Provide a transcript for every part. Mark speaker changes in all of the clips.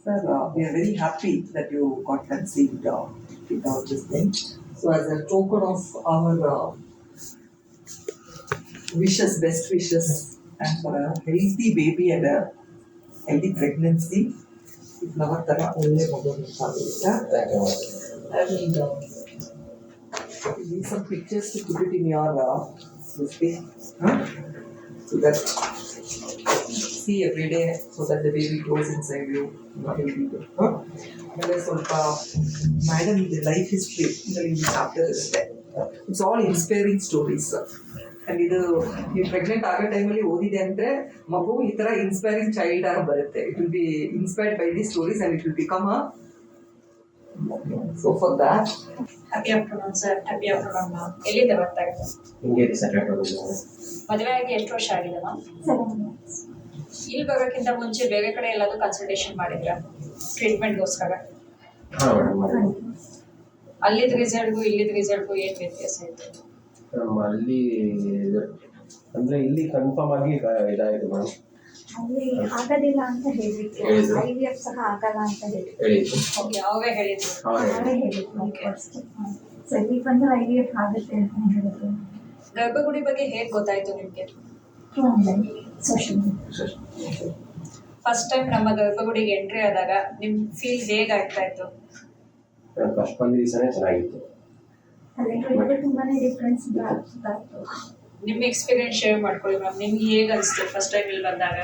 Speaker 1: Sir, we are very happy that you got conceived without this thing. So, as a token of our wishes, best wishes, and for a healthy baby and a healthy pregnancy, flower ತರ ಒಳ್ಳೆ ಮಗು ನಿಂತಾಗಿದೆ. And need some pictures to put it in your this thing, so that see every day, so that the baby grows inside you. ಆಮೇಲೆ ಸ್ವಲ್ಪ madam ಇದು life history ಇದರಲ್ಲಿ chapter ಇರುತ್ತೆ. It's all inspiring stories. And ಇದು ನೀವು pregnant ಆಗೋ ಟೈಮಲ್ಲಿ ಓದಿದೆ ಅಂದರೆ ಮಗು ಈ ಥರ ಇನ್ಸ್ಪೈರಿಂಗ್ ಚೈಲ್ಡ್ ಆಗಿ ಬರುತ್ತೆ. It will be inspired by the stories and it will become a so for that.
Speaker 2: Happy afternoon sir. Happy afternoon ma'am. ಎಲ್ಲಿಂದ ಬರ್ತಾ ಇದ್ದಾರೆ? ಮದುವೆ ಆಗಿ ಎಷ್ಟು ವರ್ಷ ಆಗಿದೆ ಮ್ಯಾಮ್?
Speaker 3: 7 months.
Speaker 2: ಇಲ್ಲಿ ಬರೋಕ್ಕಿಂತ ಮುಂಚೆ ಬೇರೆ ಕಡೆ ಎಲ್ಲಾದ್ರೂ ಕನ್ಸಲ್ಟೇಷನ್ ಮಾಡಿದ್ರಾ ಟ್ರೀಟ್ಮೆಂಟ್ಗೋಸ್ಕರ? ಅಲ್ಲಿದ್ದ ರಿಸಲ್ಟ್ಗೂ ಇಲ್ಲಿದ್ದ ರಿಸಲ್ಟ್ಗೂ ಏನು ವ್ಯತ್ಯಾಸ ಇತ್ತು?
Speaker 4: ಅಲ್ಲಿ ಅಂದ್ರೆ ಇಲ್ಲಿ ಕನ್ಫರ್ಮ್ ಆಗಿ ಇದಾಯಿತು ಮೇಡಮ್.
Speaker 3: ಅಲ್ಲಿ ಆಗೋದಿಲ್ಲ ಅಂತ ಹೇಳಿದ್ರು. IVF ಸಹ ಆಗಲ್ಲ ಅಂತ ಹೇಳಿದ್ರು.
Speaker 2: ಓಕೆ, ಅವರೇ ಹೇಳಿದ್ರು.
Speaker 3: ಅವರೇ ಹೇಳಿದ್ರು ಫಸ್ಟ್. ಸೊ ಇಲ್ಲಿ ಬಂದು IVF ಆಗುತ್ತೆ ಅಂತ ಹೇಳಿದ್ರು.
Speaker 2: ಗರ್ಭಗುಡಿ ಬಗ್ಗೆ ಹೇಗೆ ಗೊತ್ತಾಯ್ತು ನಿಮಗೆ?
Speaker 3: Online, social media.
Speaker 2: First time ನಮ್ಮ ಗರ್ಭಗುಡಿಗೆ ಎಂಟ್ರಿ ಆದಾಗ ನಿಮ್ ಫೀಲ್ ಹೇಗೆ ಆಗ್ತಾ ಇತ್ತು?
Speaker 4: ಫಸ್ಟ್ ಬಂದ ದಿವಸನೇ ಚೆನ್ನಾಗಿತ್ತು.
Speaker 3: ಅಲ್ಲಿ ತುಂಬಾನೇ ಡಿಫ್ರೆನ್ಸ್ ಇತ್ತು.
Speaker 2: ನಿಮ್ಮ ಎಕ್ಸ್ಪೀರಿಯನ್ಸ್ ಶೇರ್ ಮಾಡ್ಕೊಳ್ಳಿ ಮ್ಯಾಮ್. ನಿಮ್ಗೆ ಹೇಗೆ ಅನಿಸ್ತು ಫಸ್ಟ್ ಟೈಮ್ ಇಲ್ಲಿ ಬಂದಾಗ?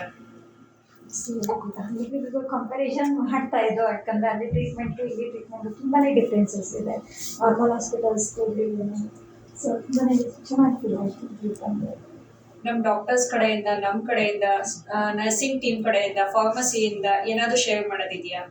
Speaker 3: ಕಂಪ್ಯಾರಿಸನ್ ಮಾಡ್ತಾ ಇದ್ದು, ಯಾಕಂದ್ರೆ ಅಲ್ಲಿ ಟ್ರೀಟ್ಮೆಂಟು ಇಲ್ಲಿ ಟ್ರೀಟ್ಮೆಂಟು ತುಂಬಾನೇ ಡಿಫ್ರೆನ್ಸಸ್ ಇದೆ ನಾರ್ಮಲ್ ಹಾಸ್ಪಿಟಲ್ಸ್ಗೂ. ಸೊ ತುಂಬಾನೇ ಚೆನ್ನಾಗಿ ಫೀಲ್ ಆಯ್ತು.
Speaker 2: ನಮ್ಮ ಡಾಕ್ಟರ್ಸ್ ಕಡೆಯಿಂದ, ನಮ್ಮ ಕಡೆಯಿಂದ, ನರ್ಸಿಂಗ್ ಟೀಮ್ ಕಡೆಯಿಂದ, ಫಾರ್ಮಸಿಯಿಂದ ಏನಾದರೂ ಶೇರ್ ಮಾಡೋದಿದೆಯಾ?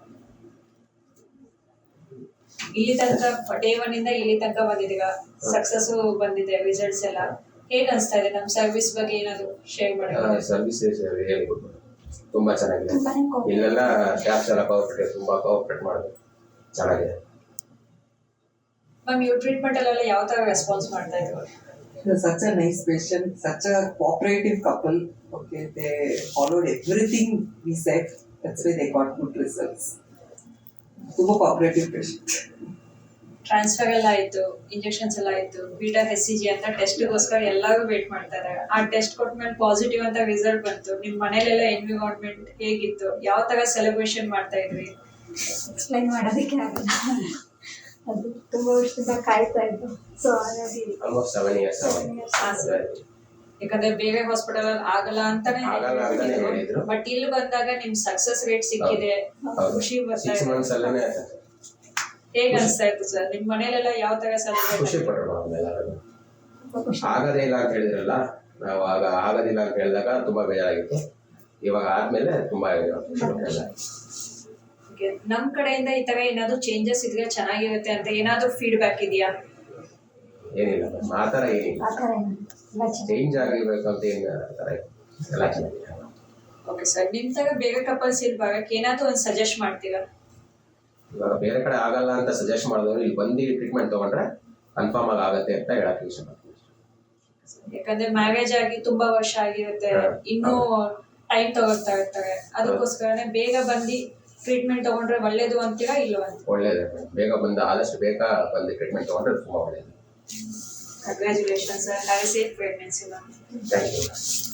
Speaker 2: ಇಲ್ಲಿ ತನಕ ಡೇ 1 ಇಂದ ಇಲ್ಲಿ ತನಕ ಬಂದಿದ್ದೀರಾ, ಸಕ್ಸಸ್ ಬಂದಿದೆ, ರಿಸಲ್ಟ್ಸ್ ಎಲ್ಲ ಹೇಗೆ ಅನಿಸ್ತಾ ಇದೆ? ನಮ್ಮ ಸರ್ವಿಸ್ ಬಗ್ಗೆ ಏನಾದರೂ ಶೇರ್ ಮಾಡೋದು?
Speaker 4: ಸರ್ವಿಸ್ ಹೇಳ್ಬೋದು, ತುಂಬಾ ಚೆನ್ನಾಗಿದೆ. ಇಲ್ಲೆಲ್ಲ ಸ್ಟಾಫ್ಸ್ ಎಲ್ಲ ತುಂಬಾ ಕೋಆಪರೇಟ್ ಮಾಡೋದು ಚೆನ್ನಾಗಿದೆ.
Speaker 2: ಮ್ಯಾಮ್, ಇವ್ರ ಟ್ರೀಟ್ಮೆಂಟ್ ಅಲ್ಲೆಲ್ಲ ಯಾವ ಥರ ರೆಸ್ಪಾನ್ಸ್ ಮಾಡ್ತಾ ಇದ್ರು?
Speaker 1: Such a nice patient, such a cooperative couple. Okay, they followed everything we said. That's why they got good results. Super cooperative patient.
Speaker 2: Transfer ಎಲ್ಲ ಆಯಿತು, ಇಂಜೆಕ್ಷನ್ಸ್ ಎಲ್ಲ ಆಯಿತು, ಬೀಟಾ HCG ಅಂತ ಟೆಸ್ಟ್ಗೋಸ್ಕರ ಎಲ್ಲರೂ ವೇಟ್ ಮಾಡ್ತಾ ಇದ್ದಾರೆ. ಆ ಟೆಸ್ಟ್ ಕೊಟ್ಮೇಲೆ ಪಾಸಿಟಿವ್ ಅಂತ ರಿಸಲ್ಟ್ ಬಂತು. ನಿಮ್ಮ ಮನೇಲೆಲ್ಲ ಎನ್ವಿರಾನ್ಮೆಂಟ್ ಹೇಗಿತ್ತು? ಯಾವ ಥರ ಸೆಲೆಬ್ರೇಷನ್ ಮಾಡ್ತಾ ಇದ್ರಿ?
Speaker 3: ಎಕ್ಸ್ಪ್ಲೈನ್ ಮಾಡೋದಕ್ಕೆ ಆಗಲ್ಲ. ಅದು ತುಂಬಾ ವರ್ಷದಿಂದ ಕಾಯ್ತಾ ಇದ್ದು. ಸೊ ಹಾಗಾಗಿ
Speaker 4: ಆಲ್ಮೋಸ್ಟ್ 7 years
Speaker 2: ಯಾಕಂದ್ರೆ ಬೇರೆ ಹಾಸ್ಪಿಟಲ್ ಅಲ್ಲಿ ಆಗಲ್ಲ ಅಂತಾನೆ ಹೇಳಿದ್ರು. ಬಟ್ ಇಲ್ಲಿ ಬಂದಾಗ ನಿಮ್ ಸಕ್ಸಸ್ ರೇಟ್ ಸಿಕ್ಕಿದೆ, ಖುಷಿ ಬರ್ತಾ ಇದೆ.
Speaker 4: 6 months ಅಲ್ಲೇ
Speaker 2: ಹೇಗೆ ಅನಿಸ್ತಾ ಇತ್ತು ಸರ್? ನಿಮ್ ಮನೇಲೆಲ್ಲ ಯಾವ ತರ ಸೆಲೆಬ್ರೇಟ್?
Speaker 4: ಖುಷಿ ಪಡೋಣ. ಆಗದೇ ಇಲ್ಲ ಅಂತ ಹೇಳಿದ್ರಲ್ಲ, ನಾವು ಆಗೋದಿಲ್ಲ ಅಂತ ಹೇಳಿದಾಗ ತುಂಬಾ ಬೇಜಾರಾಗಿತ್ತು. ಇವಾಗ ಆದ್ಮೇಲೆ ತುಂಬಾ ಖುಷಿ ಪಡ್ತಾ.
Speaker 2: ನಮ್ ಕಡೆಯಿಂದ ಈ ತರ ಏನಾದ್ರು ಚೇಂಜಸ್ ಇದ್ರೆ ಚೆನ್ನಾಗಿರುತ್ತೆ ಅಂತ ಏನಾದ್ರು ಫೀಡ್ಬ್ಯಾಕ್ ಇದೆಯಾ?
Speaker 4: ಏನಿಲ್ಲ, ಆ ಥರ ಏನಿಲ್ಲ. ಚೇಂಜ್ ಆಗಿರ್ಬೇಕು ಅಂತ ಏನು ಎಲ್ಲ ಚೆನ್ನಾಗಿದೆ.
Speaker 2: ಓಕೆ ಸರ್, ನಿಮ್ ತರ ಬೇರೆ ಕಪಲ್ಸ್ ಇಲ್ಲಿ ಬರಕ್ಕೆ ಏನಾದ್ರು ಒಂದು ಸಜೆಸ್ಟ್ ಮಾಡ್ತೀರಾ?
Speaker 4: ಇವಾಗ ಬೇರೆ ಕಡೆ ಆಗಲ್ಲ ಅಂತ ಸಜೆಸ್ಟ್ ಮಾಡಿದವರು ಇಲ್ಲಿ ಬಂದು ಟ್ರೀಟ್ಮೆಂಟ್ ತಗೊಂಡ್ರೆ ಕನ್ಫರ್ಮ್ ಆಗಿ ಆಗುತ್ತೆ ಅಂತ ಹೇಳಕ್ಕೆ ಇಷ್ಟಪಡ್ತೀನಿ.
Speaker 2: ಯಾಕಂದ್ರೆ ಮ್ಯಾರೇಜ್ ಆಗಿ ತುಂಬಾ ವರ್ಷ ಆಗಿರುತ್ತೆ, ಇನ್ನೂ ಟೈಮ್ ತಗೋತಾ ಇರ್ತಾರೆ. ಅದಕ್ಕೋಸ್ಕರನೇ ಬೇಗ ಬಂದು ಟ್ರೀಟ್ಮೆಂಟ್ ತಗೊಂಡ್ರೆ ಒಳ್ಳೇದು ಅಂತೀರಾ ಇಲ್ವಾ?
Speaker 4: ಒಳ್ಳೇದು, ಬೇಗ ಬಂದು ಆದಷ್ಟು ಬೇಗ ಬಂದು ಟ್ರೀಟ್ಮೆಂಟ್ ತಗೊಂಡ್ರೆ ತುಂಬಾ ಒಳ್ಳೇದು.
Speaker 2: Congratulations sir. Have a safe pregnancy ma'am.
Speaker 4: Thank you.